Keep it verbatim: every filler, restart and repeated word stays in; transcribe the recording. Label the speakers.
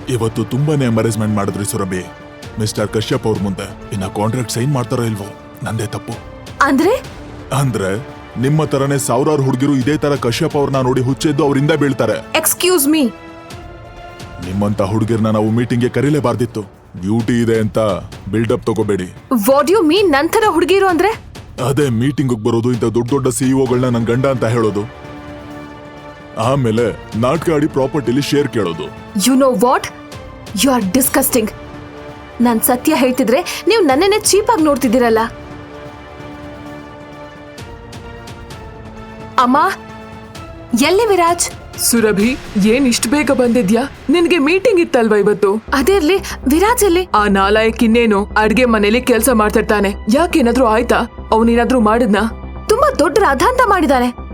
Speaker 1: ಇವತ್ತು ತುಂಬಾನೇ ಎಂಬರೇಸ್ಮೆಂಟ್ ಮಾಡಿದ್ರಿ ಸುರಭಿ. ಮಿಸ್ಟರ್ ಕಶ್ಯಪ್ ಅವ್ರ ಮುಂದೆ ಇನ್ನ ಕಾಂಟ್ರಾಕ್ಟ್ ಸೈನ್ ಮಾಡ್ತಾರೋ ಇಲ್ವೋ ನಂದೇ ತಪ್ಪು.
Speaker 2: ಅಂದ್ರೆ
Speaker 1: ಅಂದ್ರೆ ನಿಮ್ಮ ತರನೇ ಸಾವಿರಾರು ಹುಡುಗಿರು ಇದೇ ತರ ಕಶ್ಯಪ್ ಅವ್ರನ್ನ ನೋಡಿ ಹುಚ್ಚೆದ್ದು ಅವರಿಂದ ಬೀಳ್ತಾರೆ.
Speaker 2: ಎಕ್ಸ್ಕ್ಯೂಸ್ ಮೀ,
Speaker 1: ನಿಮ್ಮಂತ ಹುಡುಗಿರ್ನ ನಾವು ಮೀಟಿಂಗ್ಗೆ ಕರೀಲೇಬಾರ್ದಿತ್ತು. ಡ್ಯೂಟಿ ಇದೆ ಅಂತ ಬಿಲ್ಡಪ್ ತಗೋಬೇಡಿ.
Speaker 2: ವಾಟ್ ಯು ಮೀನ್ ನಂತರ ಹುಡುಗಿರು ಅಂದ್ರೆ?
Speaker 1: ಅದೇ ಮೀಟಿಂಗ್ ಬರೋದು, ಇಂಥ ದೊಡ್ಡ ದೊಡ್ಡ ಸಿಇಒಗಳನ್ನ ನನ್ ಗಂಡ ಅಂತ ಹೇಳೋದು, ಆಮೇಲೆ ನಾಟಕ ಆಡಿ ಪ್ರಾಪರ್ಟಿಲಿ ಶೇರ್ ಕೇಳೋದು.
Speaker 2: You know what, you are disgusting. ನಾನ್ ಸತ್ಯ ಹೇಳ್ತಿದ್ರೆ ನೀವು ನನ್ನನ್ನೇ ಚೀಪ್ ಆಗಿ ನೋಡ್ತಿದ್ದೀರಲ್ಲ. ಅಮ್ಮ, ಎಲ್ಲಿ ವಿರಾಜ್?
Speaker 3: ಸುರಭಿ, ಏನ್ ಇಷ್ಟ ಬೇಗ ಬಂದಿದ್ಯಾ? ನಿನ್ಗೆ ಮೀಟಿಂಗ್ ಇತ್ತಲ್ವಾ ಇವತ್ತು?
Speaker 2: ಅದೇರ್ಲಿ, ವಿರಾಜ್ ಎಲ್ಲಿ?
Speaker 3: ಆ ನಾಲಾಯಕ್ ಇನ್ನೇನು ಅಡ್ಗೆ ಮನೇಲಿ ಕೆಲ್ಸ ಮಾಡ್ತಿರ್ತಾನೆ. ಯಾಕೇನಾದ್ರೂ ಆಯ್ತಾ? ಅವನೇನಾದ್ರೂ ಮಾಡಿದ್ನಾ?
Speaker 2: ತುಂಬಾ ದೊಡ್ಡ ರಾಧಾಂತ ಮಾಡಿದಾನೆ.